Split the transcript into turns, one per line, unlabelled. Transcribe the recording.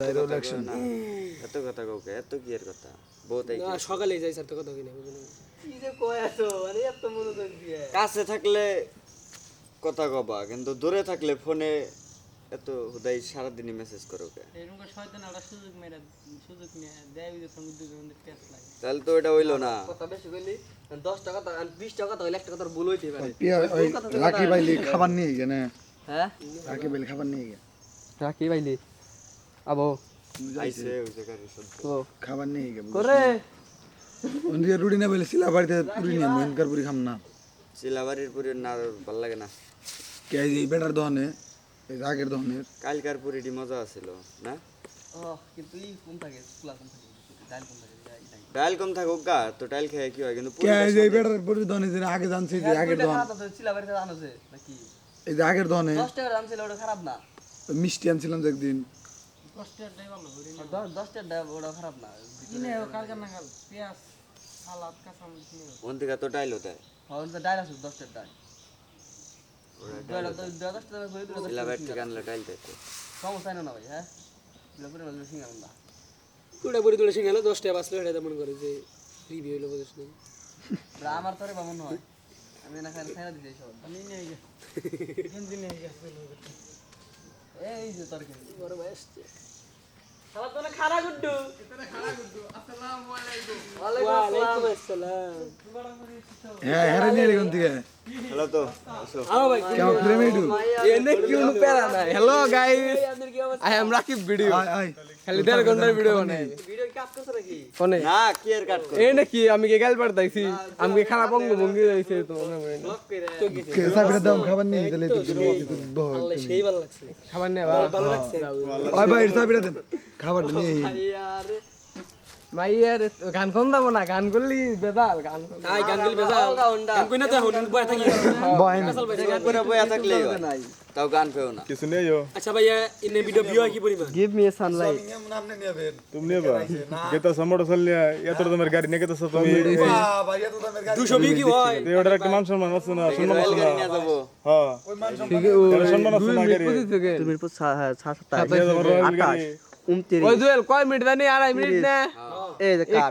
election
এত কথা কাউকে এত কি এর কথা বহুত এই
না সকালে যাই স্যার তো কথা কিনা
কি যে কয় আছো মানে এত মনোযোগ দিয়ে
কাছে থাকলে কথা কবা কিন্তু দূরে থাকলে ফোনে এত হুদাই সারা দিনই মেসেজ করো কে
এরকম শয়তান একটা সুযোগ নিয়ে দেয় ওই সঙ্গে দুজনের পেছ লাগে
তাহলে তো এটা হইলো না
কথা বেশি কইলি 10 টাকা 20 টাকা তো 1 টাকা তোর ভুল হইতে পারে
লাকি বাইলি খাবার নিয়ে গেছে না
হ্যাঁ
লাকি বাইলি খাবার নিয়ে গে
রাখি বাইলি আবো
আইছে ওই জায়গায় সত্য
ও
খাবার নিয়ে গে
করে
ওন্দিয়া রুডি না বলে সিলা বাড়িতে পুরি নিয়ে মনকার পুরি খাম না
চিলাবাড়ির পুরি না ভাল লাগে না
কে এই বেটার দহনে এই আগের দহনের
কালকার পুরিটি মজা আছিল না
ও কিন্তু ই কোন থাকে স্কুলা কোন থাকে ডাল কোন থাকে
ডাল কম থাকুক গা তো ডাল খেয়ে কি হয় কিন্তু
কে এই বেটার পুরি দহনে যে আগে জানছি যে আগের দহন
চিলা বাড়িতে আনছে নাকি
এই যে আগের দহনে
10 টাকা দাম ছিল ওটা খারাপ না
মিষ্টি আনছিলাম যে একদিন
10 টাকা ওটা খারাপ না কিনে কালকে না কাল পেঁয়াজ সালাদ কাঁচামরিচ নিও
ওন থেকে তো ডাইল দেয়
হন তো ডাল আছে 10 টাকা ডাল তো 10 টাকা করে দিলে
চিলাবাড়ি থেকে আনলে ডাইল দেয়
সমস্যা না ভাই হ্যাঁ লপুরে মাঝে সিঙ্গা না
কুড়া পরি তুলে সিঙ্গালে 10 টাকা বাঁচলো এটা মনে করে যে রিভিউ হইলো বুঝছ না
আমার তোরে বামন হয় আমি না খাইরা দিতে সব আমি নিয়ে গে গেঞ্জি নিয়ে গে এই যে তোর গেঞ্জি
বড় ভাই আসছে
সালা তোরে খাড়া গুড্ডু আসসালামু আলাইকুম
ওয়ালাইকুম আসসালাম
হ্যাঁ হেরে নিয়ে কোন থেকে
হ্যালো তো আসো
আও ভাই
কেমন প্রেমিডু
এনে কিউন প্যারা না হ্যালো গাইস
আপনাদের কি অবস্থা
আই এম রাকিব ভিডিও
আয় আয়
খালি 1.5 ঘন্টার ভিডিও বানাই
ভিডিও কাজ করছ নাকি
কোনে
না কি এর কাট কর
এই নাকি আমি কে গাল পাঠাইছি আমি কি খারাপ অঙ্গ ভঙ্গি হইছে তো মনে হয় না
ব্লক কইরা
কে সাবিরা দাম খাবার নিয়ে তাহলে তো
আল্লাহ সেই ভালো লাগছে
খাবার নেই
ভালো লাগছে
ওই ভাই সাবিরা দেন খাবার নিয়ে
আরে
মাইয়ার গান কোন দাও না গান করলি বেদাল গান
আই গান গিল বেজা গান কই না তো হন বয় থাকি
বয় না
করে বয়া থাকলেই হয় তাও গান পেও না
কিছু নেই ও
আচ্ছা ভাইয়া ইনে ভিডিও ভিউ কি পরিমাণ
গিভ মি এ সানলাইট
তুমি নেবা গেতা সমড় চললে এত তোমার গাড়ি নিয়ে গেতা তুমি
200 ভিউ কি হয়
ওটার একটা মান সম্মান আছে না সম্মান আছে না
নিয়ে যাবো
হ্যাঁ
ঠিক আছে ও
সম্মান আছে না গাড়ি
তুমি
মিরপুর 6
নিয়ে যাবো রয়্যাল গাড়ি
29
ওই দুয়েল কয় মিনিট জানি 2.5 মিনিট না
এই যে কাট